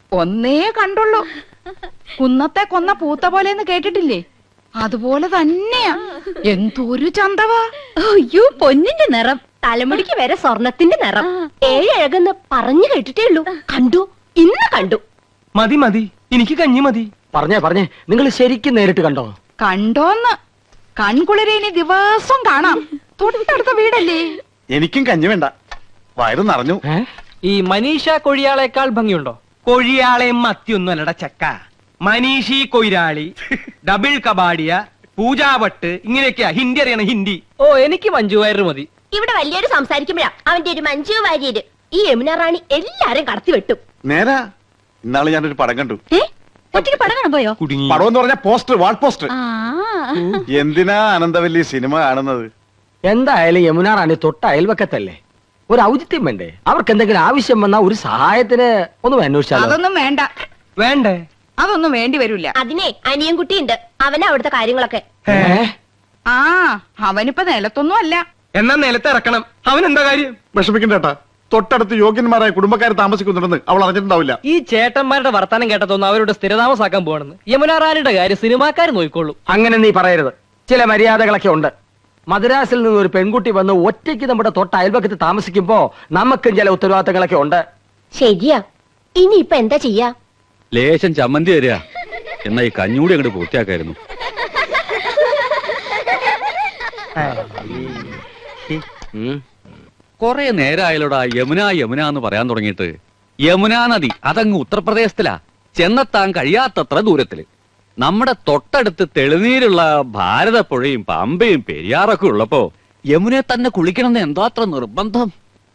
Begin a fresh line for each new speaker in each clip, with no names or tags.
ഒന്നേ കണ്ടുള്ളൂ. കുന്നത്തെ കൊന്ന പൂത്ത പോലെന്ന് കേട്ടിട്ടില്ലേ? അതുപോലെ തന്നെയാ. എന്തൊരു ചന്തവാ.
അയ്യോ, പൊന്നിന്റെ നിറം, തലമുടിക്ക് വരെ സ്വർണത്തിന്റെ നിറം. ഏഴഴകെന്ന് പറഞ്ഞു കേട്ടിട്ടേ ഉള്ളൂ. കണ്ടു, ഇന്ന് കണ്ടു.
മതി മതി, എനിക്ക് കഞ്ഞി മതി.
പറഞ്ഞേ നിങ്ങൾ ശരിക്കും നേരിട്ട് കണ്ടോ?
കണ്ടോന്ന് കൺകുളിരെ ഇനി ദിവസം കാണാം. തൊട്ടടുത്ത വീടല്ലേ.
എനിക്കും കഞ്ഞി വേണ്ട, വയറ് നിറഞ്ഞു.
ഈ മനീഷ കൊഴിയാളേക്കാൾ ഭംഗിയുണ്ടോ? കൊഴിയാളെ മത്തിയൊന്നും അല്ലട ചക്ക. മനീഷി കൊയിരാളി, ഡബിൾ കബാഡിയ, പൂജാവട്ട്, ഇങ്ങനെയൊക്കെയാ ഹിന്ദി അറിയണം, ഹിന്ദി. ഓ, എനിക്ക് മഞ്ജു വാര്യർ മതി.
ഇവിടെ വലിയൊരു സംസാരിക്കുമ്പോഴാ അവന്റെ ഒരു മഞ്ജു വാര്യര്. ഈ യമുന റാണി എല്ലാരും കടത്തി വെട്ടും.
നേരാ, ഇന്നാള് ഞാനൊരു പടം കണ്ടു.
ഒറ്റയ്ക്ക് പടം കാണാൻ പോയോ?
പടം എന്ന് പറഞ്ഞ പോസ്റ്റർ, വാൾ പോസ്റ്റർ. എന്തിനാ അനന്തവല്ലി സിനിമ കാണുന്നത്?
എന്തായാലും യമുന റാണി തൊട്ട അയൽവക്കത്തല്ലേ, ഒരു ഔചിത്യം വേണ്ടേ? അവർക്ക് എന്തെങ്കിലും ആവശ്യം വന്നാ ഒരു സഹായത്തിന് ഒന്നും അന്വേഷിച്ചാലോ?
അതൊന്നും വേണ്ട.
വേണ്ടേ?
അതൊന്നും വേണ്ടി വരില്ല.
അതിനെ അനിയൻകുട്ടിയുണ്ട്, അവനാ അവിടുത്തെ കാര്യങ്ങളൊക്കെ.
ആ, അവനിപ്പോ നിലത്തൊന്നും അല്ല.
എന്നാ നിലത്ത് ഇറക്കണം. അവൻ എന്താ കാര്യം?
വിഷമിക്കണ്ടേട്ടാ, തൊട്ടടുത്ത് യോഗ്യന്മാരായ കുടുംബക്കാർ താമസിക്കുന്നുണ്ടെന്ന് അവൾ അറിഞ്ഞിട്ടുണ്ടാവില്ല.
ഈ ചേട്ടന്മാരുടെ വർത്താനം കേട്ടതൊന്നും അവരുടെ സ്ഥിരതാമസാക്കാൻ പോകണമെന്ന്. യമുന റാണിയുടെ കാര്യം സിനിമാക്കാർ നോക്കിക്കോളൂ.
അങ്ങനെ നീ പറയരുത്. ചില മര്യാദകളൊക്കെ ഉണ്ട്. മദ്രാസിൽ നിന്ന് ഒരു പെൺകുട്ടി വന്ന് ഒറ്റയ്ക്ക് നമ്മുടെ തൊട്ട അയൽവക്കത്ത് താമസിക്കുമ്പോ നമുക്കും ചില ഉത്തരവാദിത്തങ്ങളൊക്കെ ഉണ്ട്.
ശരിയാ, ഇനി ഇപ്പൊ എന്താ ചെയ്യാ?
ലേശം ചമ്മന്തി തരിക, എന്നാ ഈ കഞ്ഞൂടി അങ്ങോട്ട് പൂർത്തിയാക്കായിരുന്നു. കൊറേ നേരമായാലോടാ യമുന യമുന എന്ന് പറയാൻ തുടങ്ങിയിട്ട്. യമുനാ നദി അതങ്ങ് ഉത്തർപ്രദേശത്തിലാ, ചെന്നെത്താൻ കഴിയാത്തത്ര ദൂരത്തില്. നമ്മുടെ തൊട്ടടുത്ത് തെളിനീരുള്ള ഭാരതപ്പുഴയും പമ്പയും പെരിയാറൊക്കെ ഉള്ളപ്പോ യമുനെ തന്നെ കുളിക്കണമെന്ന് എന്താ അത്ര നിർബന്ധം?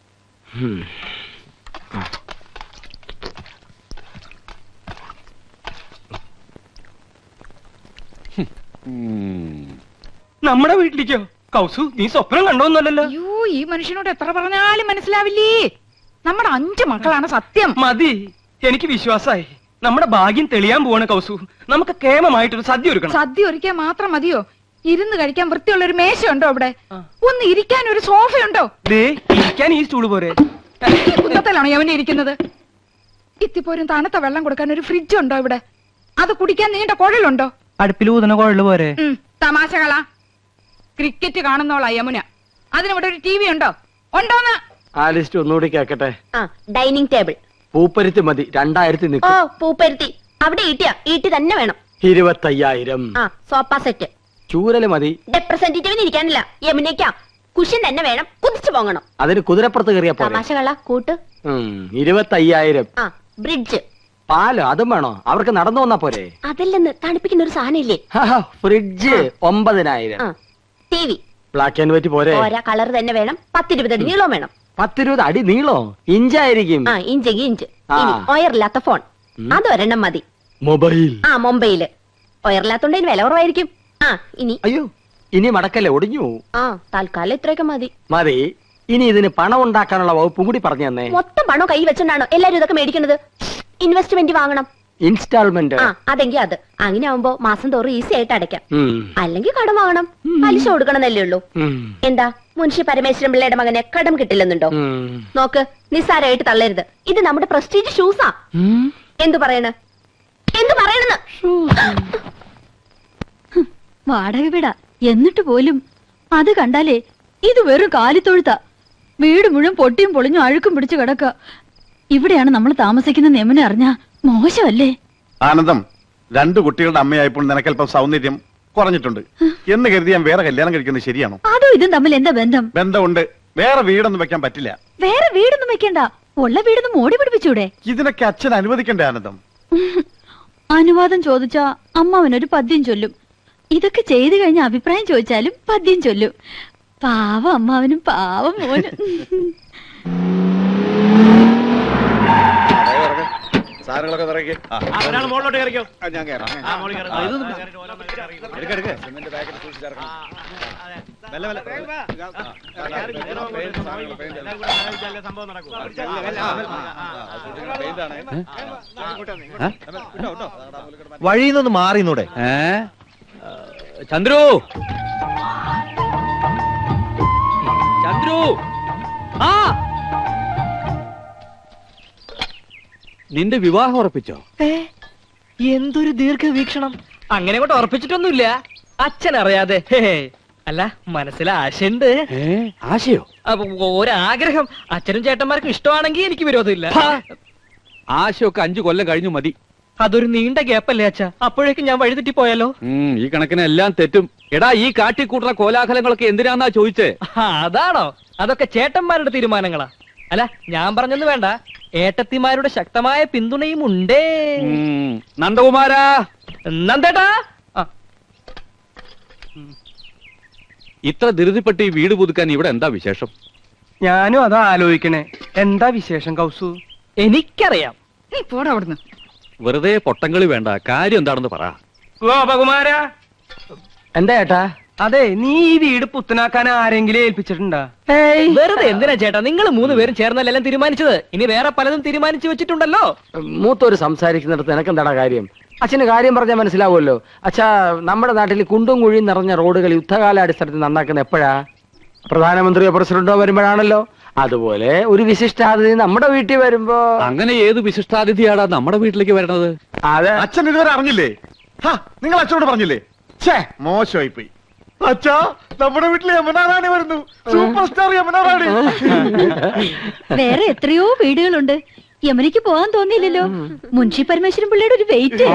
നമ്മുടെ വീട്ടിലേക്കോ? കൗസു, നീ സ്വപ്നം കണ്ടോന്നല്ലോ.
അയ്യോ, ഈ മനുഷ്യനോട് എത്ര പറഞ്ഞാലും മനസ്സിലാവില്ലേ. നമ്മുടെ 5 മക്കളാണ് സത്യം.
മതി, എനിക്ക് വിശ്വാസായി. നമ്മുടെ ഭാഗ്യം തെളിയാൻ പോവാണ് കൗസു. നമുക്ക് കേമമായിട്ടൊരു സദ്യ ഒരുക്കണം.
സദ്യ ഒരുക്കാൻ മാത്രം മതിയോ? ഇരുന്ന് കഴിക്കാൻ വൃത്തിയുള്ള ഒരു മേശയുണ്ടോ അവിടെ? ഒന്ന് ഇരിക്കാൻ ഒരു സോഫയുണ്ടോ?
ഇരിക്കാൻ ഈ സ്റ്റൂള് പോരെ?
കുന്നത്തിലാണോ യവനെ ഇരിക്കുന്നത്? ഇത്തിപ്പോരും തണുത്ത വെള്ളം കൊടുക്കാൻ ഒരു ഫ്രിഡ്ജ് ഉണ്ടോ ഇവിടെ? അത് കുടിക്കാൻ നീണ്ട കുഴലുണ്ടോ?
അടുപ്പിൽ ഊതണ കുഴല് പോരെ?
തമാശകളാ. ക്രിക്കറ്റ് കാണുന്നോളാ യമുന. അതിനിവിടെ ഒരു TV ഉണ്ടോ? ഉണ്ടോന്ന്
ആ ലിസ്റ്റ് ഒന്നുകൂടി കേക്കട്ടെ.
Dining table.
പൂപ്പരുത്തി മതി, 2000
ഓ,
നിൽക്കും.
പൂപ്പരുത്തി. അവിടെ ഈട്ടി തന്നെ വേണം.
25,000.
Sofa set.
ചൂരല് മതി.
റെപ്രസെന്റേറ്റീവിന് ഇരിക്കാനില്ല, യമുനയ്ക്കാ. കുഷൻ തന്നെ വേണം, കുതിച്ചു പോകണം.
അതിന് കുതിരപ്പുറത്ത് കയറിയാ പോലെ.
തമാശകള കൂട്ട്.
25,000.
ബ്രിഡ്ജ്.
പാല് അതും വേണോ? അവർക്ക് നടന്നു വന്നാ പോരെ?
അതില്ലെന്ന് തണുപ്പിക്കുന്ന ഒരു സാധനം ഇല്ലേ?
Fridge 9,000.
TV.
Black and white പോരെ?
ഓരോ കളർ തന്നെ വേണം. 10-20 അടി നീളം വേണം.
10-20 അടി നീളോ? ഇഞ്ചായിരിക്കും.
ഇഞ്ചെങ്കിൽ ഇഞ്ച്. ഒയറില്ലാത്ത ഫോൺ അതൊരെണ്ണം മതി.
മൊബൈൽ.
മൊബൈല്. ഒയറില്ലാത്തോണ്ട് വില കുറവായിരിക്കും. ഇനി
അയ്യോ, ഇനി മടക്കല്ലേ, ഒടിഞ്ഞു.
തൽക്കാലം ഇത്രയൊക്കെ മതി.
മതി. ഇനി ഇതിന് പണം ഉണ്ടാക്കാനുള്ള വകുപ്പും കൂടി പറഞ്ഞു തന്നെ.
മൊത്തം പണം കൈ വെച്ചോണ്ടാണോ എല്ലാരും ഇതൊക്കെ മേടിക്കുന്നത്? ഇൻവെസ്റ്റ്മെന്റ് വാങ്ങണം.
ഇൻസ്റ്റാൾമെന്റ്.
അതെങ്കിൽ അത് അങ്ങനെ ആവുമ്പോ മാസം തോറും ഈസി ആയിട്ട് അടയ്ക്കാം. അല്ലെങ്കിൽ കടം വാങ്ങണം, പലിശ കൊടുക്കണമെന്നല്ലേ ഉള്ളൂ. എന്താ മുൻഷി പരമേശ്വരൻ പിള്ളയുടെ മകനെ കടം കിട്ടില്ലെന്നുണ്ടോ? നോക്ക്, നിസ്സാരമായിട്ട് തള്ളരുത്. ഇത് നമ്മുടെ പ്രസ്റ്റീജ് ഷൂസാ. എന്തു പറയണെന്ന്
വാടക വീടാ എന്നിട്ട് പോലും അത് കണ്ടാലേ ഇത് വെറും കാലിത്തൊഴുത്ത. വീട് മുഴുവൻ പൊട്ടിയും പൊളിഞ്ഞും അഴുക്കും പിടിച്ചു കിടക്ക. ഇവിടെയാണ് നമ്മൾ താമസിക്കുന്ന യമുന അറിഞ്ഞാ മോശമല്ലേ?
ആനന്ദം, 2 കുട്ടികളുടെ അമ്മയായപ്പോൾ നിനക്കല്പം സൗന്ദര്യം കുറഞ്ഞിട്ടുണ്ട് എന്ന് കരുതി ഞാൻ വേറെ കല്യാണം കഴിക്കുന്നത് ശരിയാണോ?
അതോ ഇതും തമ്മിൽ എന്താ ബന്ധം?
ബന്ധമുണ്ട്. വേറെ വീടൊന്നും വെക്കാൻ പറ്റില്ല.
വേറെ വീടൊന്നും വെക്കണ്ട, ഉള്ള വീടൊന്നും മോടി പിടിപ്പിച്ചൂടെ?
ഇതിനൊക്കെ അച്ഛൻ അനുവദിക്കണ്ടേ ആനന്ദം?
അനുവാദം ചോദിച്ചാ അമ്മാവനൊരു പദ്യം ചൊല്ലും. ഇതൊക്കെ ചെയ്തു കഴിഞ്ഞ അഭിപ്രായം ചോദിച്ചാലും പദ്യം ചൊല്ലും. പാവം അമ്മാവനും പാവം മോനും.
സാധനങ്ങളൊക്കെ നിറയ്ക്ക്.
മുകളിലോട്ട് കയറിക്കോ.
ഞാൻ കയറാം.
വഴിന്നൊന്ന് മാറിന്നൂടെ?
ചന്ദ്രു, ചന്ദ്രു, നിന്റെ വിവാഹം ഉറപ്പിച്ചോ?
എന്തൊരു ദീർഘവീക്ഷണം. അങ്ങനെ കൊണ്ട് ഉറപ്പിച്ചിട്ടൊന്നുമില്ല, അച്ഛൻ അറിയാതെ. അല്ല, മനസ്സിൽ ആശയുണ്ട്.
ആശയോ?
ഒരാഗ്രഹം. അച്ഛനും ചേട്ടന്മാർക്കും ഇഷ്ടമാണെങ്കിൽ എനിക്ക് വിരോധമില്ല.
ആശയൊക്കെ 5 കൊല്ലം കഴിഞ്ഞു മതി.
അതൊരു നീണ്ട ഗ്യാപ്പല്ലേ അച്ഛാ? അപ്പോഴേക്കും ഞാൻ വഴിതെറ്റി പോയാലോ?
ഈ കണക്കിന് എല്ലാം തെറ്റും. എടാ, ഈ കാട്ടിക്കൂട്ടുന്ന കോലാഹലങ്ങളൊക്കെ എന്തിനാന്നാ ചോദിച്ചേ?
അതാണോ? അതൊക്കെ ചേട്ടന്മാരുടെ തീരുമാനങ്ങളാ. അല്ല, ഞാൻ പറഞ്ഞൊന്നും വേണ്ട, ഏട്ടത്തിമാരുടെ ശക്തമായ പിന്തുണയും ഉണ്ടേ.
നന്ദകുമാരാ,
നന്ദേട്ടാ.
ഇത്ര ധൃതിപ്പെട്ട് ഈ വീട് പുതുക്കാൻ ഇവിടെ എന്താ വിശേഷം?
ഞാനും അതാ ആലോചിക്കണേ. എന്താ വിശേഷം കൗസു? എനിക്കറിയാം.
നീ പോടാ അവിടുന്ന്.
വെറുതെ പൊട്ടങ്കളി വേണ്ട, കാര്യം എന്താണെന്ന് പറ.
ഗോപകുമാരാ,
എന്താ ഏട്ടാ?
അതെ, നീ ഈ വീട് പുത്തനാക്കാൻ ആരെങ്കിലും ഏൽപ്പിച്ചിട്ടുണ്ടാ? വെറുതെ എന്തിനാ ചേട്ടാ, നിങ്ങൾ 3 പേരും ചേർന്നല്ലെല്ലാം തീരുമാനിച്ചത്. ഇനി വേറെ പലതും തീരുമാനിച്ചു വെച്ചിട്ടുണ്ടല്ലോ.
മൂത്തോര് സംസാരിക്കുന്നിടത്ത് നിനക്കെന്താടാ കാര്യം? അച്ഛന് കാര്യം പറഞ്ഞാൽ മനസ്സിലാവുമല്ലോ. അച്ഛാ, നമ്മുടെ നാട്ടിൽ കുണ്ടും കുഴിയും നിറഞ്ഞ റോഡുകൾ യുദ്ധകാലാടിസ്ഥാനത്തിൽ നന്നാക്കുന്ന എപ്പോഴാ? പ്രധാനമന്ത്രിയോ പ്രസിഡന്റോ വരുമ്പോഴാണല്ലോ. അതുപോലെ ഒരു വിശിഷ്ടാതിഥി നമ്മുടെ വീട്ടിൽ വരുമ്പോ.
അങ്ങനെ ഏത് വിശിഷ്ടാതിഥിയാടാ നമ്മുടെ വീട്ടിലേക്ക് വരണത്?
അതെ,
അച്ഛൻ ഇതുവരെ അറിഞ്ഞില്ലേ? നിങ്ങൾ അച്ഛനോട് പറഞ്ഞില്ലേ? ഛേ, മോശമായി പോയി. അച്ഛാ, നമ്മുടെ വീട്ടിൽ യമുന റാണി വരുന്നു. Super star Yamuna Rani.
വേറെ എത്രയോ വീടുകളുണ്ട്. യമുനയ്ക്ക് പോകാൻ തോന്നിയില്ലല്ലോ. മുൻഷി പരമേശ്വരൻ പിള്ളയുടെ ഒരു വെയിറ്റ്.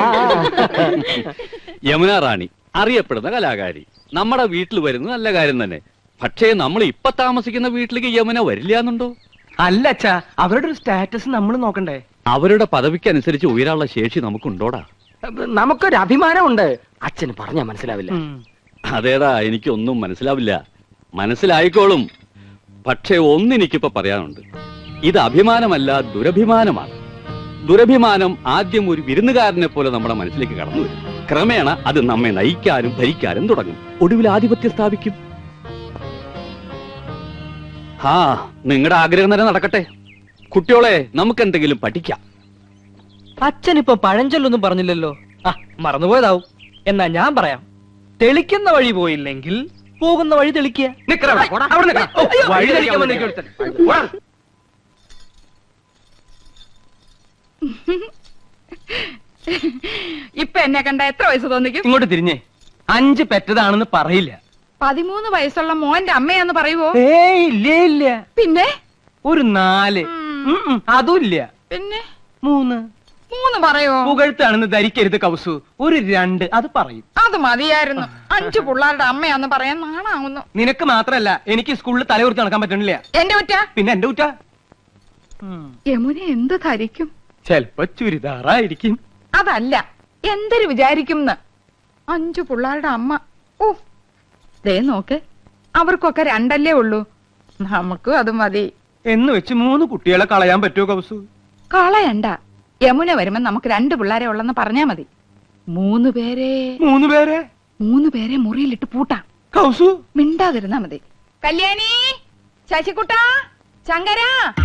യമുന റാണി അറിയപ്പെടുന്ന കലാകാരി നമ്മുടെ വീട്ടിൽ വരുന്നത് നല്ല കാര്യം തന്നെ. പക്ഷേ നമ്മൾ ഇപ്പൊ താമസിക്കുന്ന വീട്ടിലേക്ക് യമുന വരില്ല എന്നുണ്ടോ?
അല്ല അച്ഛാ, അവരുടെ ഒരു സ്റ്റാറ്റസ് നമ്മൾ നോക്കണ്ടേ?
അവരുടെ പദവിക്കനുസരിച്ച് ഉയരാനുള്ള ശേഷി നമുക്കുണ്ടോടാ?
നമുക്കൊരു അഭിമാനമുണ്ട്. അച്ഛന് പറഞ്ഞാൽ മനസ്സിലാവില്ല.
അതേടാ, എനിക്കൊന്നും മനസ്സിലാവില്ല. മനസ്സിലായിക്കോളും. പക്ഷേ ഒന്നെനിക്കിപ്പോ പറയാനുണ്ട്. ഇത് അഭിമാനമല്ല, ദുരഭിമാനമാണ്. ദുരഭിമാനം ആദ്യം ഒരു വിരുന്നുകാരനെ പോലെ നമ്മുടെ മനസ്സിലേക്ക് കടന്നു വരും. ക്രമേണ അത് നമ്മെ നയിക്കാനും ഭരിക്കാനും തുടങ്ങും. ഒടുവിൽ ആധിപത്യം സ്ഥാപിക്കും. നിങ്ങളുടെ ആഗ്രഹം തന്നെ നടക്കട്ടെ. കുട്ടിയോളെ, നമുക്ക് എന്തെങ്കിലും പഠിക്കാം.
അച്ഛനിപ്പോ പഴഞ്ചൊല്ലൊന്നും പറഞ്ഞില്ലല്ലോ. മറന്നുപോയതാവും. എന്നാ ഞാൻ പറയാം. തെളിക്കുന്ന വഴി പോയില്ലെങ്കിൽ പോകുന്ന വഴി തെളിക്കുക.
ഇപ്പൊ എന്നെ കണ്ട എത്ര വയസ്സ് തോന്നിക്കും?
ഇങ്ങോട്ട് തിരിഞ്ഞേ. 5 പെറ്റതാണെന്ന് പറയില്ല.
13 വയസ്സുള്ള മോന്റെ അമ്മയാന്ന് പറയുവോ?
ഇല്ല.
പിന്നെ
ഒരു 4. അതുമില്ല.
പിന്നെ
3
പറയോ?
പുകഴ്ത്താണെന്ന് ധരിക്കരുത് കൗസു. ഒരു 2 അത് പറയും.
അത് മതിയായിരുന്നു. 5 പിള്ളേരുടെ അമ്മയാന്ന് പറയാൻ നാണാവുന്നു.
നിനക്ക് മാത്രല്ല, എനിക്ക് സ്കൂളിൽ തലയുർത്തി നടക്കാൻ പറ്റണില്ല.
എന്റെ കുറ്റ?
പിന്നെ എന്റെ കുറ്റ.
യമുന എന്ത് ധരിക്കും?
ചെലപ്പോ ചുരിദാറായിരിക്കും.
അതല്ല, എന്തൊരു വിചാരിക്കും? 5 പിള്ളേരുടെ അമ്മ. ഓ, ദേ നോക്ക്, അവർക്കൊക്കെ 2 ഉള്ളൂ. നമുക്കും അത് മതി
എന്ന് വെച്ച് 3 കുട്ടികളെ കളയാൻ പറ്റുമോ കൗസു?
കളയണ്ട. യമുന വരുമ്പോ നമുക്ക് 2 പിള്ളേരെ ഉള്ളെന്ന് പറഞ്ഞാ മതി. 3 പേരെ മുറിയിലിട്ട് പൂട്ടാം.
കൗസു
മിണ്ടാതിരുന്നാ മതി. കല്യാണി, ശശികുട്ട, ശങ്കര.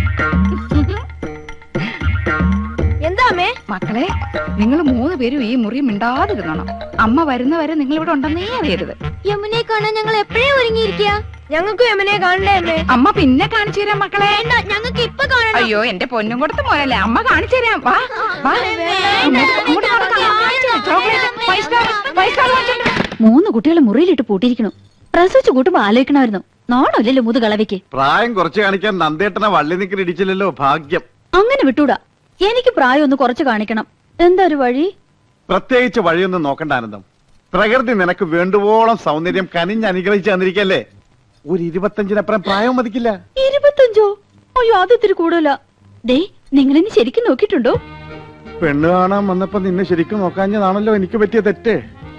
എന്താ അമ്മേ?
മക്കളെ, നിങ്ങൾ 3 പേരും ഈ മുറി മിണ്ടാതിരുന്നണം. അമ്മ വരുന്നവരെ നിങ്ങൾ ഇവിടെ ഉണ്ടെന്നേ അറിയരുത്.
യമുനെ കാണാൻ ഞങ്ങൾ എപ്പോഴേ ഒരുങ്ങിയിരിക്കുക. ഞങ്ങൾക്ക് യമുനെ കാണണ്ടേ അമ്മേ?
അമ്മ പിന്നെ കാണിച്ചു തരാം മക്കളെ.
ഞങ്ങൾക്ക് ഇപ്പൊ കാണണം.
അയ്യോ, എന്റെ പൊന്നും കൊടുത്ത് മോനല്ലേ, അമ്മ കാണിച്ചു തരാം. വാ വാ, ഇങ്ങോട്ട് നടക്കാം. ചോക്ലേറ്റ്, 5 സ്റ്റാർ വാങ്ങിച്ചോണ്ട് വാ.
3 കുട്ടികളെ മുറിയിലിട്ട് പൂട്ടിയിരിക്കണു. പ്രസവിച്ചു കൂട്ടുമ്പോ ആലോചിക്കണമായിരുന്നു. നോണല്ലോ മുതുകളവയ്ക്ക്.
പ്രായം കുറച്ച് കാണിക്കാൻ നന്ദേട്ടനെ വള്ളി നിൽക്കുന്ന ഇടിച്ചില്ലല്ലോ. ഭാഗ്യം.
അങ്ങനെ വിട്ടൂടാ. എനിക്ക് പ്രായം ഒന്ന് കുറച്ച് കാണിക്കണം. എന്താ ഒരു വഴി?
പ്രത്യേകിച്ച് വഴിയൊന്നും നോക്കണ്ട ആനന്ദം. പ്രകൃതി നിനക്ക് വേണ്ടുവോളം സൗന്ദര്യം കനിഞ്ഞ് അനുഗ്രഹിച്ചു തന്നിരിക്കല്ലേ. ഒരു 25-നപ്പുറം പ്രായം മതിക്കില്ല.
25? അയ്യോ, അത് ഇത്തിരി കൂടുതല. ദേ, നിങ്ങളെന്നെ ശരിക്കും നോക്കിയിട്ടുണ്ടോ?
പെണ്ണ് കാണാൻ വന്നപ്പോ നിന്നെ ശരിക്കും നോക്കാഞ്ഞതാണല്ലോ എനിക്ക് പറ്റിയ തെറ്റ്.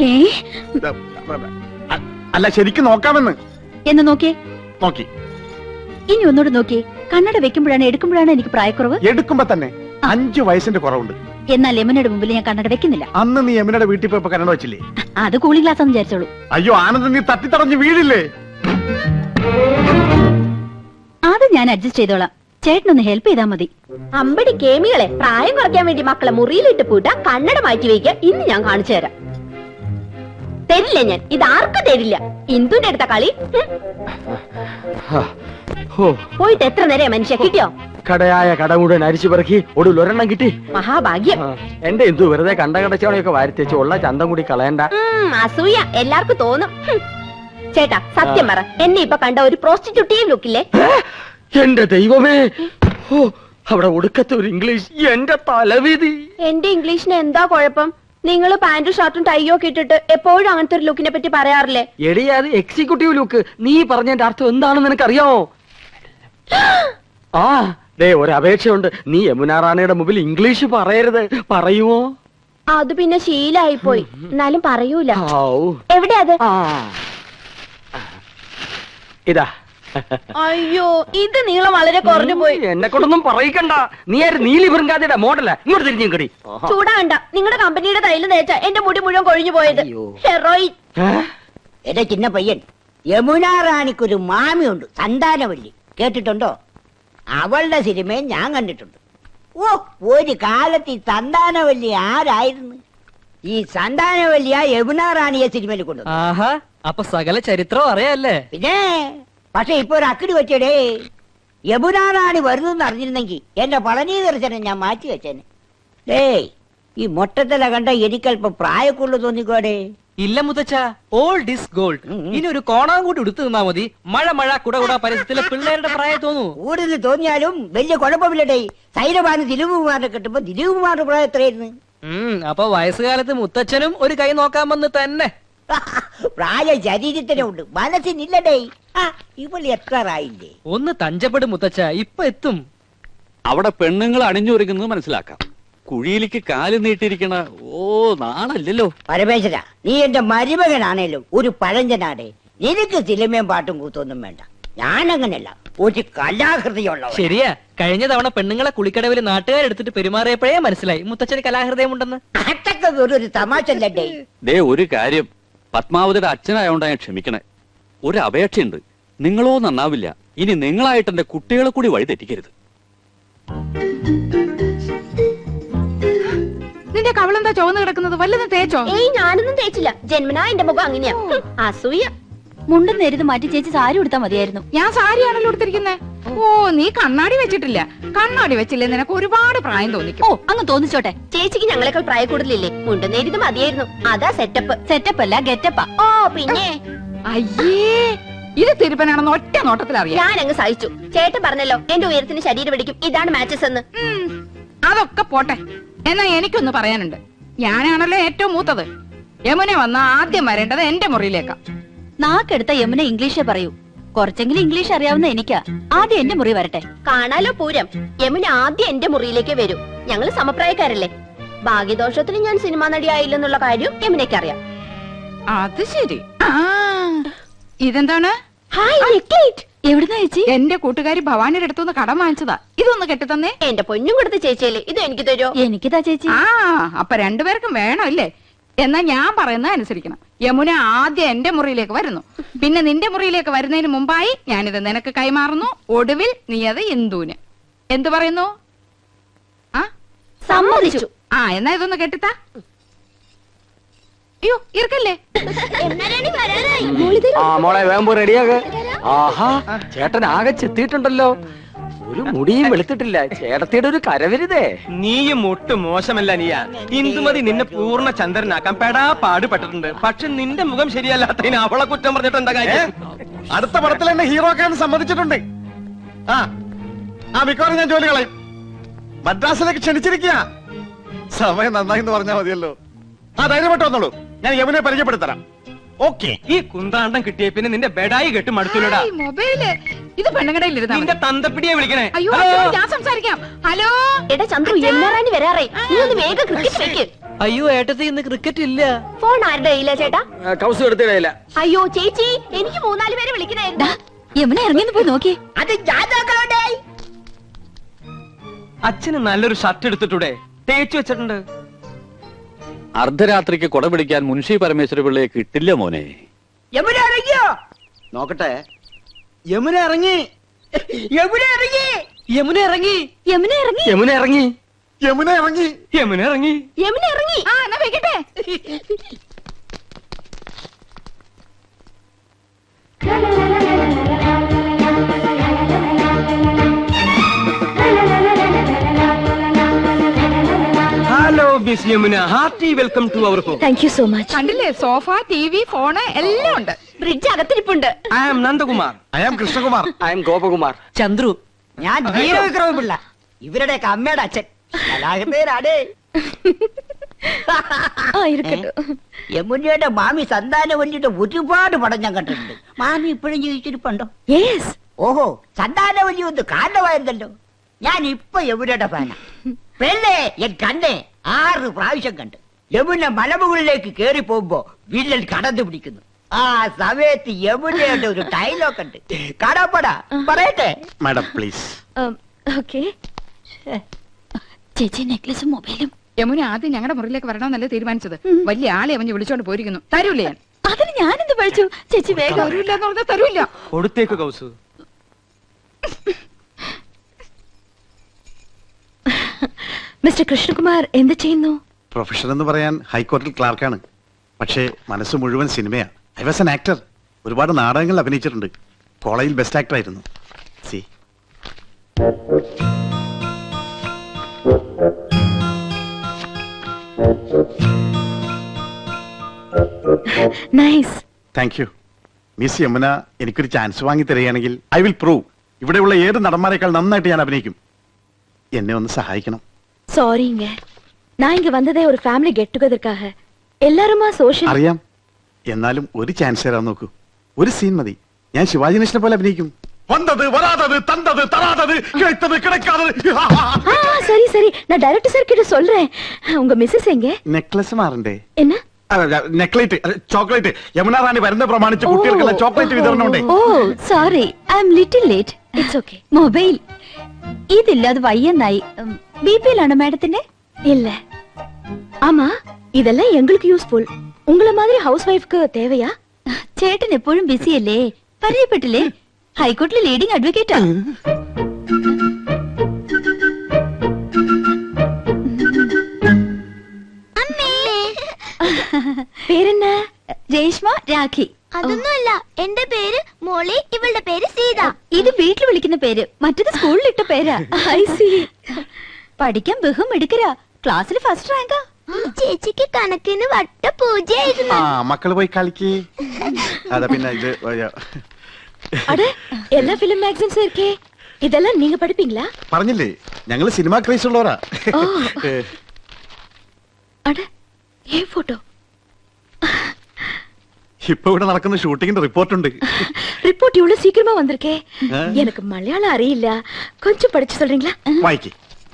അല്ല, ശരിക്കും നോക്കാമെന്ന്.
എന്ന് നോക്കിയേ.
നോക്കി.
ഇനി ഒന്നോട് നോക്കിയേ. കണ്ണട വെക്കുമ്പോഴാണ് എടുക്കുമ്പോഴാണ് എനിക്ക് പ്രായക്കുറവ്?
എടുക്കുമ്പോ തന്നെ 5 വയസ്സിന്റെ കുറവുണ്ട്.
എന്നാൽ യമുനയുടെ മുമ്പിൽ ഞാൻ കണ്ണട വെക്കുന്നില്ല.
അന്ന് നീ യമുനയുടെ വീട്ടിൽ പോയപ്പോ കണ്ണട വെച്ചില്ലേ?
അത് കൂളിംഗ് ഗ്ലാസ് എന്ന് വിചാരിച്ചോളൂ.
അയ്യോ ആനന്ദ്, നീ തട്ടിത്തടഞ്ഞ് വീടില്ലേ?
അത് ഞാൻ അഡ്ജസ്റ്റ് ചെയ്തോളാം. ചേട്ടനൊന്ന് ഹെൽപ്പ് ചെയ്താൽ മതി.
അമ്പടി കേമികളെ, പ്രായം കുറയ്ക്കാൻ വേണ്ടി മക്കളെ മുറിയിലിട്ട് പൂട്ട, കണ്ണട മാറ്റി വയ്ക്കുക. ഇന്ന് ഞാൻ കാണിച്ചു തരാം. തരില്ല ഞാൻ. ഇത് ആർക്കും തരില്ല. ഇന്ദുന്റെ അടുത്ത കളി. പോയിട്ട് എത്ര നേരം മനുഷ്യ കിട്ടിയോ?
കടയായ കട മുഴുവൻ അരിച്ചു പെറുക്കി ഒടുവിൽ ഒരെണ്ണം കിട്ടി.
മഹാഭാഗ്യം.
എന്റെ എന്തു വെറുതെ കണ്ട കടച്ചവണയൊക്കെ വാരിത്തേച്ച് ഉള്ള ചന്തം കൂടി കളയണ്ട.
അസൂയ എല്ലാവർക്കും തോന്നും. ചേട്ടാ സത്യം പറ, എന്നെ ഇപ്പൊ കണ്ട ഒരു പ്രോസ്റ്റിറ്റ്യൂട്ടീവ് ലുക്കില്ലേ?
എന്റെ ദൈവമേ, അവിടെ ഒടുക്കത്തെ ഒരു ഇംഗ്ലീഷ്, എന്റെ തലവിധി.
എന്റെ ഇംഗ്ലീഷിന് എന്താ കുഴപ്പം? നിങ്ങൾ പാന്റും ഷർട്ടും ടൈയോ ഒക്കെ ഇട്ടിട്ട് എപ്പോഴും അങ്ങനത്തെ ഒരു ലുക്കിനെ പറ്റി പറയാറില്ലേ?
എടി അത് എക്സിക്യൂട്ടീവ് ലുക്ക്. നീ പറഞ്ഞതിന്റെ അർത്ഥം എന്താണെന്ന് നിനക്കറിയാമോ? ആ ദേ ഒരു അപേക്ഷയുണ്ട്, നീ യമുന റാണിയുടെ മുമ്പിൽ ഇംഗ്ലീഷ് പറയരുത്. പറയുമോ?
അത് പിന്നെ ശീലായി പോയി, എന്നാലും പറയൂല. എവിടെയാ അത്?
ഇതാ.
അയ്യോ, ഇത് നീളം വളരെ കുറഞ്ഞു പോയി.
എന്നെ കൊണ്ടൊന്നും പറയിക്കണ്ട. നീ ആര്? നീലി ബൃങ്കാതിയുടെ മോഡല. ഇങ്ങോട്ട് തിരിഞ്ഞു കടി.
ചൂടാകണ്ട. നിങ്ങളുടെ കമ്പനിയുടെ തൈല് തേച്ച എന്റെ മുടി മുഴുവൻ കൊഴിഞ്ഞു പോയത്. ഹെറോയിൻ.
എന്റെ ചിന്ന പയ്യൻ, യമുന റാണിക്കൊരു മാമിയുണ്ട്, സന്താനവല്ലി. കേട്ടിട്ടുണ്ടോ? അവളുടെ സിനിമയും ഞാൻ കണ്ടിട്ടുണ്ട്. ഓ, ഒരു കാലത്ത് ഈ സന്താനവല്ലി ആരായിരുന്നു? ഈ സന്താനവല്ലിയ യമുന റാണിയെ സിനിമയിൽ കൊണ്ടുവന്നു.
ആഹാ, അപ്പൊ സകല ചരിത്രം അറിയാല്ലേ?
പിന്നെ പക്ഷെ ഇപ്പൊ ഒരു അക്കിടി വെച്ചടേ. യമുന റാണി വരുന്നെന്ന് അറിഞ്ഞിരുന്നെങ്കിൽ എന്റെ പളനി ദർശനം ഞാൻ മാറ്റി വെച്ചേനെ. ഡേയ്, ഈ മൊട്ടത്തല കണ്ട എനിക്കല്പം പ്രായക്കുള്ളു തോന്നിക്കോടെ.
ഇല്ല മുത്തച്ഛ, ഓൾഡ് ഇസ് ഗോൾഡ്. ഇനി ഒരു കോണാൻ കൂടി എടുത്തു നിന്നാ മതി. മഴ മഴ കുട പരസ്യത്തിലെ പിള്ളേരുടെ പ്രായം തോന്നൂ.
കൂടുതൽ തോന്നിയാലും വലിയ കുഴപ്പമില്ലടേ. സൈനബാന് ദിലീപ് കുമാറിനെ കിട്ടുമ്പോ ദിലീപ് കുമാറിന്റെ പ്രായം എത്രയായിരുന്നു?
അപ്പൊ വയസ്സുകാലത്ത് മുത്തച്ഛനും ഒരു കൈ നോക്കാൻ വന്ന് തന്നെ.
പ്രായം ശരീരത്തിനുണ്ട്, മനസ്സിനില്ലടേ. ഇവള് എത്താറായില്ലേ?
ഒന്ന് തഞ്ചപ്പെടും മുത്തച്ഛ, ഇപ്പൊ എത്തും.
അവിടെ പെണ്ണുങ്ങൾ അണിഞ്ഞൊരുങ്ങുന്നത് മനസ്സിലാക്കാം. കുഴിയിലേക്ക് കാല് നീട്ടിയിരിക്കണ നാണല്ലോ.
പരമേശ്വര, നീ എന്റെ മരുമകനാണേലും ഒരു പഴഞ്ചനാടേ. നിനക്ക് സിനിമയും പാട്ടും കൂത്തൊന്നും വേണ്ട. ഞാനങ്ങനല്ല, ഒരു കലാഹൃദയുള്ള.
ശരിയാ, കഴിഞ്ഞ തവണ പെണ്ണുങ്ങളെ കുളിക്കടവിൽ നാട്ടുകാരെടുത്തിട്ട് പെരുമാറിയപ്പോഴേ മനസ്സിലായി മുത്തച്ഛന് കലാഹൃദയം ഉണ്ടെന്ന്.
അതൊക്കെ ഒരു തമാശല്ലേ.
ദേ ഒരു കാര്യം, പത്മാവതിയുടെ അച്ഛനായോണ്ടാ ഞാൻ ക്ഷമിക്കണേ. ഒരു അപേക്ഷയുണ്ട്, നിങ്ങളോ നന്നാവില്ല. ഇനി നിങ്ങളായിട്ട് എന്റെ കുട്ടികളെ കൂടി വഴി തെറ്റിക്കരുത്.
നിന്റെ കവളെന്താ ചുവന്ന് കിടക്കുന്നത്? വല്ലതും തേച്ചോ?
ഏയ്, ഞാനൊന്നും തേച്ചില്ല. ജന്മനാ എന്റെ മുഖം അങ്ങനെയാ. അസൂയ.
മുണ്ടും നേരിത് മാറ്റി ചേച്ചി സാരി ഉടുത്താ മതിയായിരുന്നു.
ഞാൻ സാരിയാണല്ലോ എടുത്തിരിക്കുന്നത്. ഓ, നീ കണ്ണാടി വെച്ചിട്ടില്ല. കണ്ണാടി വെച്ചില്ലേ നിനക്ക് ഒരുപാട് പ്രായം തോന്നിക്കും.
ഓ, അങ്ങ് തോന്നിച്ചോട്ടെ.
ചേച്ചിക്ക് ഞങ്ങളെക്കാൾ പ്രായ കൂടുതലില്ലേ? മുണ്ടും നേരിത് മതിയായിരുന്നു. അതാ സെറ്റപ്പ്.
സെറ്റപ്പ് അല്ല, ഗെറ്റപ്പാ.
ഓ പിന്നെ.
അയ്യേ, ഇത് തിരുപ്പനാണെന്ന് ഒറ്റ നോട്ടത്തിൽ അറിയാം.
ഞാൻ അങ്ങ് സഹിച്ചു. ചേട്ടൻ പറഞ്ഞല്ലോ എന്റെ ഉയരത്തിന് ശരീരം പിടിക്കും, ഇതാണ് മാച്ചസ് എന്ന്.
അതൊക്കെ പോട്ടെ. എന്നാ എനിക്കൊന്ന് പറയാനുണ്ട്. ഞാനാണല്ലോ ഏറ്റവും മൂത്തത്. യമുന വന്ന ആദ്യം വരേണ്ടത് എന്റെ മുറിയിലേക്കാ.
നാക്കെടുത്ത യമുന ഇംഗ്ലീഷേ പറയൂ. കുറച്ചെങ്കിലും ഇംഗ്ലീഷ് അറിയാവുന്ന എനിക്കാ. ആദ്യം എന്റെ മുറി വരട്ടെ.
കാണാലോ പൂരം. യമുന ആദ്യം എന്റെ മുറിയിലേക്ക് വരൂ. ഞങ്ങള് സമപ്രായക്കാരല്ലേ. ഭാഗ്യദോഷത്തിന് ഞാൻ സിനിമാ നടിയായില്ലെന്നുള്ള കാര്യം യമുനയ്ക്ക് അറിയാം.
അത് ശരി. ഇതെന്താണ്?
എവിടുന്നാ ചേച്ചി?
എന്റെ കൂട്ടുകാരി ഭവാനിയുടെ അടുത്തുനിന്ന് കടം വാങ്ങിച്ചതാ. ഇതൊന്ന് കെട്ടിത്തന്നേ.
എന്റെ പൊന്നും കൊടുത്ത ചേച്ചിയല്ലേ, ഇത് എനിക്ക് തരുമോ?
എനിക്കിതാ ചേച്ചി.
അപ്പൊ രണ്ടുപേർക്കും വേണം അല്ലേ? എന്നാ ഞാൻ പറയുന്നത് അനുസരിക്കണം. യമുന ആദ്യം എന്റെ മുറിയിലേക്ക് വരുന്നു, പിന്നെ നിന്റെ മുറിയിലേക്ക് വരുന്നതിന് മുമ്പായി ഞാനിത് നിനക്ക് കൈമാറുന്നു. ഒടുവിൽ നീ അത് ഇന്ദുവിന്. എന്തു പറയുന്നു?
സമ്മതിച്ചു.
എന്നാ ഇതൊന്ന് കെട്ടിത്താ. അയ്യോ, ഇറക്കല്ലേ.
മോളെ വേമ്പോ റെഡിയാകെ. ആഹാ, ചേട്ടൻ ആകെ ചെത്തിയിട്ടുണ്ടല്ലോ. ഒരു മുടിയും വെളുത്തിട്ടില്ല. ചേട്ടത്തിയുടെ ഒരു കരവരുതേ.
നീയും ഒട്ടും മോശമല്ല നീയ. ഇന്ദുമതി നിന്നെ പൂർണ്ണ ചന്ദ്രനാക്കാൻ പെടാ പാടുപെട്ടിട്ടുണ്ട്. പക്ഷെ നിന്റെ മുഖം ശരിയല്ലാത്തതിന് അവളെ കുറ്റം പറഞ്ഞിട്ട് എന്താ കാര്യം?
അടുത്ത പടത്തിൽ എന്നെ ഹീറോ ആക്കാൻ സമ്മതിച്ചിട്ടുണ്ട്. മിക്കവാറും ഞാൻ ജോലി കളയും. മദ്രാസിലേക്ക് ക്ഷണിച്ചിരിക്കുക. സമയം നന്നായി എന്ന് പറഞ്ഞാൽ മതിയല്ലോ. ധൈര്യമായിട്ട് വന്നോളൂ, ഞാൻ യമുനെ പരിചയപ്പെടുത്തരാം. ഓക്കെ.
ഈ കുന്താണ്ടം കിട്ടിയ പിന്നെ നിന്റെ ബെഡായി കെട്ട് മടുത്തില്ലടാ.
മൊബൈല് ഇത് പെണ്ണുകടയിൽ
നിന്റെ തന്തപ്പിടിയെ വിളിക്കണേ.
അയ്യോ, ഞാൻ സംസാരിക്കാം. ഹലോ
എടാ ചന്ദ്രു, എല്ലാരും വരാറേ. നീ ഒന്ന് വേഗം ക്രിക്കറ്റ് വെക്ക്.
അയ്യോ ഏട്ടത്തി, ഇന്ന് ക്രിക്കറ്റ് ഇല്ല.
ഫോൺ ആരുടെ കയ്യിലാ ചേട്ടാ?
കൗസ് എടുത്തിടയില്ല.
അയ്യോ ചേച്ചി, എനിക്ക് 3-4 പേരെ വിളിക്കണായിരുന്നു.
യമുന ഇറങ്ങിന്ന് പോയി നോക്കി.
അത് ജാതകോടെ.
അച്ഛന് നല്ലൊരു ഷർട്ട് എടുത്തിട്ടൂടെ? തേച്ചു വെച്ചിട്ടുണ്ട്.
അർദ്ധരാത്രിക്ക് കൊട പിടിക്കാൻ മുൻഷി പരമേശ്വര പിള്ളയെ കിട്ടില്ല മോനെ.
യമുന ഇറങ്ങിയോ?
നോക്കട്ടെ.
യമുന ഇറങ്ങി. യമുന ഇറങ്ങി.
യമുന ഇറങ്ങി.
യമുന ഇറങ്ങി.
യമുന ഇറങ്ങി.
യമുന ഇറങ്ങി.
യമുന ഇറങ്ങി.
യമുന ഇറങ്ങി.
എന്നാ വെക്കട്ടെ.
Miss Yamuna, hearty welcome to our home.
Thank you so much.
കണ്ടില്ലേ, സോഫ, TV, ഫോണ് എല്ലാം ഉണ്ട്.
ഫ്രിഡ്ജ് അകത്തിരിപ്പുണ്ട്.
I am Nandakumar.
I am Krishnakumar.
I am Gopakumar.
Chandru.
ഞാൻ ധീരവിക്രമ പിള്ള, ഇവരുടെയൊക്കെ അമ്മയുടെ അച്ഛൻ. കലാഹൃദയനാടേ. യമുനയുടെ മാമി സന്താനവല്ലിയുടെ ഒരുപാട് പടം ഞാൻ കണ്ടിട്ടുണ്ട്. മാമി ഇപ്പോഴും ജീവിച്ചിരിപ്പുണ്ടോ?
യെസ്.
ഓഹോ, സന്താനവല്ലി ഒന്ന് കാരണമായിരുന്നല്ലോ. ഞാൻ ഇപ്പൊ യമുനയുടെ ഫാന. പെണ്ണേ എൻ കണ്ണേ 6 പ്രാവശ്യം കണ്ട്. യമുന മലമുകളിലേക്ക് കേറി പോകുമ്പോ വില്ലൻ കടന്നു പിടിക്കുന്നു. ആ സമയത്ത് യമുനയുടെ ഒരു ഡയലോഗ് ഉണ്ട്. കടപ്പട പറയട്ടെ
മാഡം പ്ലീസ്.
ഓക്കെ.
ചേച്ചി നെക്ലസും മൊബൈലും.
യമുന ആദ്യം ഞങ്ങളുടെ മുറിയിലേക്ക് വരണമെന്നല്ലേ തീരുമാനിച്ചത്. വലിയ ആളെ അവഞ്ഞ് വിളിച്ചോണ്ട് പോയിരിക്കുന്നു. തരൂലേ ഞാൻ?
അതിന് ഞാനെന്ത് പഠിച്ചു? ചേച്ചി വേഗം.
തരൂല്ല എന്ന് പറഞ്ഞാൽ തരൂല്ല.
കൊടുത്തേക്ക് കൗസു.
മിസ്റ്റർ കൃഷ്ണകുമാർ എന്ത് ചെയ്യുന്നു?
പ്രൊഫഷൻ എന്ന് പറയാൻ ഹൈക്കോടതിയിൽ ക്ലാർക്കാണ്. പക്ഷേ മനസ്സ് മുഴുവൻ സിനിമയാണ്. I was an actor. ഒരുപാട് നാടകങ്ങളിൽ അഭിനയിച്ചിട്ടുണ്ട്. കോളേജിൽ ബെസ്റ്റ് ആക്ടർ ആയിരുന്നു. See
nice.
Thank you. Miss Yamuna എനിക്കൊരു ചാൻസ് വാങ്ങി തരികയാണെങ്കിൽ ഐ വിൽ പ്രൂവ്. ഇവിടെയുള്ള ഏത് നടന്മാരെക്കാൾ നന്നായിട്ട് ഞാൻ അഭിനയിക്കും. എന്നെ ഒന്ന് സഹായിക്കണം.
சாரிங்க, நான் இங்க வந்ததே ஒரு ஃபேமிலி கெட் டுகெதர்க்காக. எல்லாருமா சோஷியல்.
അറിയാം. എന്നാലും ഒരു ചാൻസ് തരാൻ നോക്കൂ. ഒരു സീൻ മതി. ഞാൻ ശിവാജി ഗണേശനെ പോലെ അഭിനയിക്കും. വന്നത് വരാതത് തന്തത് തരാതത് കിടത്തത് കിടക്കാതത്.
சரி சரி, நான் டைரக்டர் சார் கிட்ட சொல்றேன். உங்க மிஸ்ஸஸ் எங்க?
നെക്ലസ് മാറണ്ടേ?
என்ன?
നെക്ലേറ്റ്, ചോക്ലേറ്റ്. യമുന റാണി വരുന്ന പ്രമാണിച്ച് കുട്ടികൾക്കുള്ള ചോക്ലേറ്റ് വിതരണം ഉണ്ട്.
Oh sorry, I am little late.
It's okay.
Mobile ഇതില്ലാതെ വയ്യെന്നായി. ബിപിയിലാണോ മാഡത്തിന്റെ?
இல்ல. ஆமா, இதெல்லாம் எங்களுக்கு யூஸ்ஃபுல். உங்கள மாதிரி ஹவுஸ் வைஃப்க்கு தேவையா?
ചേട്ടൻ എപ്പോഴും ബിസി അല്ലേ? പരിചയപ്പെട്ടില്ലേ? ഹൈക്കോടതിയിലെ ലീഡിംഗ് അഡ്വക്കേറ്റാ.
പേരെന്നാ?
രേഷ്മ, രാഖി.
അതൊന്നുമല്ല, എന്റെ പേര് മോളി, ഇവളുടെ പേര് സീത.
ഇത് വീട്ടിൽ വിളിക്കുന്ന പേര്, മറ്റത് സ്കൂളിലിട്ട പേരാ.
I see.
പഠിക്കാൻ ബഹും എടുക്കരാ. ക്ലാസ്സിൽ ഫസ്റ്റ് റാങ്കാ.
ഈ ചേച്ചിക്ക് കണക്കിന് വട്ട പൂജയായിരുന്നു.
മക്കള് പോയി കളിക്ക്. അതാ പിന്നെ ഇത്
அட, எல்லா ஃபிலிம் மேகசின்ஸும் இருக்கே. இதெல்லாம் நீங்க படிப்பீங்களா?
പറഞ്ഞില്ലേ, ഞങ്ങള് സിനിമാ ക്രൈസ് ഉള്ളവരാ.
அட, ஏன் போட்டோ?
ഇപ്പൊ ഇവിടെ നടക്കുന്ന ഷൂട്ടിങ്ങിന്റെ റിപ്പോർട്ട് ഉണ്ട്.
ரிப்போர்ட் இவ்வளவு சீக்கிரமா வந்திருக்கே. எனக்கு மலையாளம் அறியிല്ല. கொஞ்சம் படிச்சு சொல்றீங்களா?
വായിക്ക്.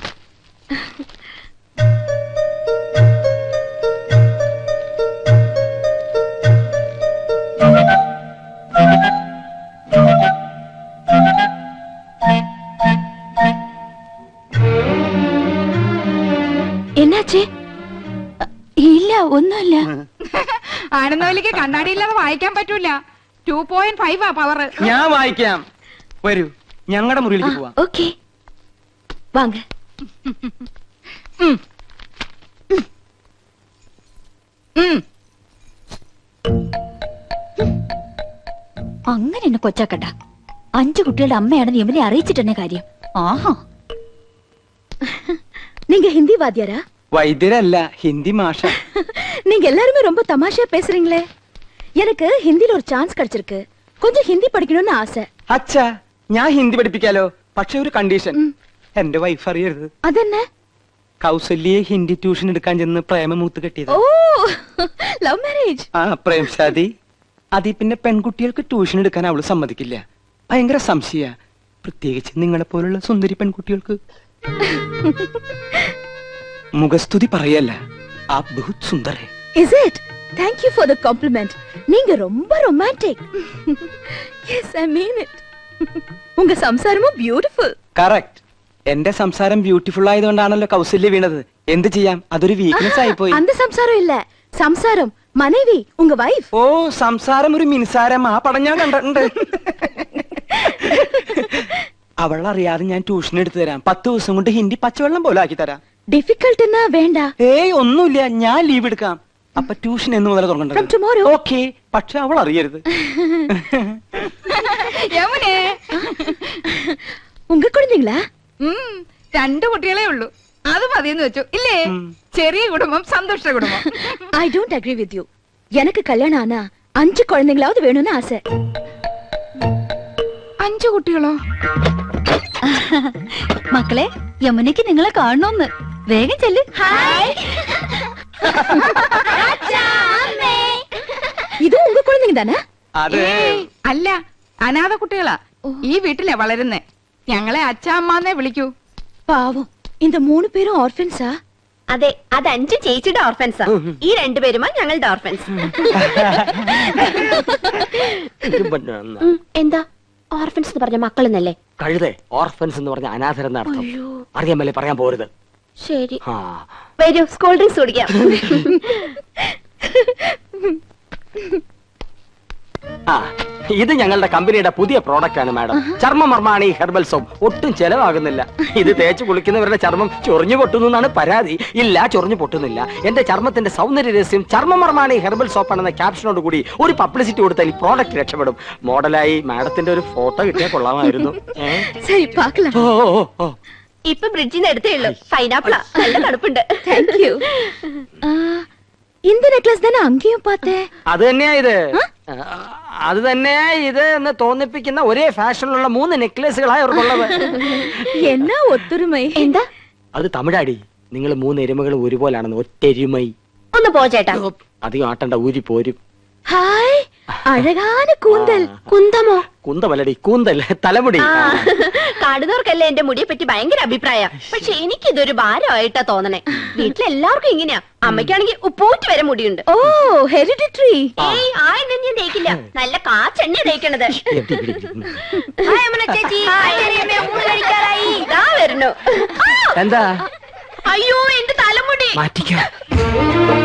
என்னாச்சு?
ഇല്ല, ഒന്നുമില്ല.
ആനന്ദവല്ലിക്ക് കണ്ണാടി ഇല്ലാതെ വായിക്കാൻ പറ്റൂല. 2.5 പവർ.
ഞാൻ വായിക്കാം. വരൂ, ഞങ്ങളുടെ മുറിയിലേക്ക് പോവാം.
ஓகே, வாங்க.
അങ്ങനെ എന്നെ കൊച്ചാക്കട്ട. 5 കുട്ടികളുടെ അമ്മയാണെന്ന് യമുനെ അറിയിച്ചിട്ടെന്നെ കാര്യം. ആഹാ.
நீங்க ஹிந்தி வாத்தியாரா?
വൈദ്യരല്ല, ഹിന്ദി മാഷ.
நீங்க எல்லாருமே ரொம்ப தமாஷா பேசுறீங்களே. எனக்கு ஹிந்தில ஒரு சான்ஸ் கிடைச்சிருக்கு. கொஞ்சம் ஹிந்தி படிக்கணும்னு ஆசை.
അച്ഛാ, ഞാൻ ഹിന്ദി പഠിപ്പിക്കാലോ. പക്ഷെ ഒരു കണ്ടീഷൻ, എന്റെ വൈഫ് അറിയരുത്.
അതെന്നെ?
കൗസല്യെ ഹിന്ദി ട്യൂഷൻ എടുക്കാൻ ചെന്ന് പ്രേമമൂത്ത് കെട്ടിയത്.
ഓ, ലവ് മാരേജ്.
ആ, പ്രേം ശാദി. അതി പിന്നെ പെൺകുട്ടികൾക്ക് ട്യൂഷൻ എടുക്കാൻ അവള് സമ്മതിക്കില്ല. ഭയങ്കര സംശയ, പ്രത്യേകിച്ച് നിങ്ങളെ പോലുള്ള സുന്ദരി പെൺകുട്ടികൾക്ക്. മുഖസ്തുതി പറയല്ല, ആ ബഹുത് സുന്ദർ ഹൈ.
Is it? Thank you for the compliment. நீங்க ரொம்ப romantic. Yes, I mean it. உங்க സംസാരமும் beautiful.
കറക്റ്റ്. എന്റെ സംസാരം ബ്യൂട്ടിഫുൾ ആയതുകൊണ്ടാണല്ലോ കൗസല്യ വീണത്. എന്ത് ചെയ്യാം, അതൊരു വീക്ക്നെസ് ആയി പോയി.
அந்த സംസാരം ഇല്ല, സംസാരം മனைவி, ഉங்க വൈഫ്.
ഓ, സംസാരം ഒരു മിൻസാരം. ആ പടം ഞാൻ കണ്ടിട്ടുണ്ട്. അവളറിയാതെ ഞാൻ ട്യൂഷൻ എടുത്തു തരാം. 10 ദിവസം കൊണ്ട് ഹിന്ദി പച്ചവെള്ളം പോലെ ആക്കി തരാം.
ഡിഫിക്കൽട്ട് എന്നാ വേണ്ട.
ഏയ് ഒന്നുമില്ല, ഞാൻ ലീവ് എടുക്കാം. അപ്പൊ ട്യൂഷൻ എന്ന് മുതൽ
From
തുടങ്ങേണ്ടത്.
tomorrow.
ഓക്കെ, പക്ഷെ അവൾ അറിയരുത്.
യമുനേ,
உங்க குழந்தைங்களா?
2 കുട്ടികളേ ഉള്ളൂ. അത് മതിയെന്ന് വെച്ചു ഇല്ലേ? ചെറിയ കുടുംബം സന്തുഷ്ട കുടുംബം.
I don't agree with you. எனக்கு கல்யாணம் ஆனா 5 குழந்தைங்களாவது வேணும்னு ஆசை.
5 കുട്ടികളോ?
മക്കളെ, യമുനയ്ക്ക് നിങ്ങളെ കാണണമെന്ന്. വേഗം ചെല്ല്.
இது உங்க குழந்தைங்க தானே?
അല്ല, അനാഥ കുട്ടികളാ. ഈ വീട്ടിലെ വളരുന്നേ. ഞങ്ങളെ അച്ഛാ അമ്മാന്നേ വിളിക്കൂ.
பாவம், இந்த 3 பேரும் ஆர்ஃபன்ஸா?
അതെ, അത് 5 ചേച്ചിയുടെ ഓർഫൻസാ. ഈ 2 പേരുമാ ഞങ്ങളുടെ ഓർഫൻസ്. എന്താ ഓർഫൻസ് എന്ന് പറഞ്ഞ മക്കളെന്നല്ലേ?
കഴുതേ, ഓർഫൻസ് എന്ന് പറഞ്ഞ അനാഥരെന്ന അർത്ഥം. അറിയാമല്ലേ, പറയാൻ പോരുത്.
ശരി, വരൂ, സ്കൂൾ ഡ്രിങ്ക്സ് കുടിക്കാം.
ഇത് ഞങ്ങളുടെ കമ്പനിയുടെ പുതിയ പ്രോഡക്റ്റ് ആണ് മാഡം. ചർമ്മമർമാണി herbal soap. ഒട്ടും ചെലവാകുന്നില്ല. ഇത് തേച്ച് കുളിക്കുന്നവരുടെ ചർമ്മം ചൊറിഞ്ഞു പൊട്ടുന്നു എന്നാണ് പരാതി. ഇല്ല, ചൊറിഞ്ഞു പൊട്ടുന്നില്ല. എന്റെ ചർമ്മത്തിന്റെ സൗന്ദര്യ രഹസ്യം ചർമ്മമർമാണി ഹെർബൽ സോപ്പ് ആണെന്ന ക്യാപ്ഷനോട് കൂടി ഒരു പബ്ലിസിറ്റി കൊടുത്താൽ ഈ പ്രോഡക്റ്റ് രക്ഷപ്പെടും. മോഡലായി മാഡത്തിന്റെ ഒരു ഫോട്ടോ കിട്ടിയാൽ കൊള്ളാമായിരുന്നു.
சரி, பார்க்கலாம்.
ഇപ്പൊ ബ്രിഡ്ജിൽ നിന്ന് എടുത്തേ ഉള്ളൂ. പൈനാപ്പിളാ, നല്ല തണുപ്പുണ്ട്.
Thank you. இந்த நெக்லஸ் தானே அங்கேயும் பார்த்தேன்.
അത് തന്നെയാ ഇത്. അത് തന്നെയാ ഇത് എന്ന് തോന്നിപ്പിക്കുന്ന ഒരേ ഫാഷനിലുള്ള 3 നെക്ലേസുകളായി അവർക്കുള്ളത്.
എന്നാ ഒത്തൊരുമൈ.
എന്താ
അത് തമിഴാടി. നിങ്ങൾ 3 എരുമകൾ ഒരുപോലാണെന്ന്. ഒറ്റെരുമൈ.
ഒന്ന് പോ ചേട്ടാ.
അധികം ആട്ടണ്ട, ഊരി പോരും.
ഹായ്, അഴകാന കൂന്തൽ.
കുന്തമോ?
കുന്തമല്ലടി, കൂന്തൽ, തലമുടി.
കാണുന്നവർക്കല്ലേ എന്റെ മുടിയെ പറ്റി ഭയങ്കര അഭിപ്രായ. പക്ഷെ എനിക്കിതൊരു ഭാരമായിട്ടാ തോന്നണേ. വീട്ടിലെല്ലാവർക്കും ഇങ്ങനെയാ. അമ്മയ്ക്കാണെങ്കിൽ ഉപ്പൂറ്റി വരെ മുടിയുണ്ട്.
ഓ, ഹെറിഡിറ്ററി.
ഏയ്, ആ എണ്ണ ഞാൻ തേക്കില്ല. നല്ല കാച്ചെണ്ണ തേക്കണത്. ചേച്ചി, ഊണ് കഴിക്കാറായി. ഇതാ വരുന്നു.
എന്താ?
അയ്യോ, എന്റെ തലമുടി
മാറ്റിക്കാം.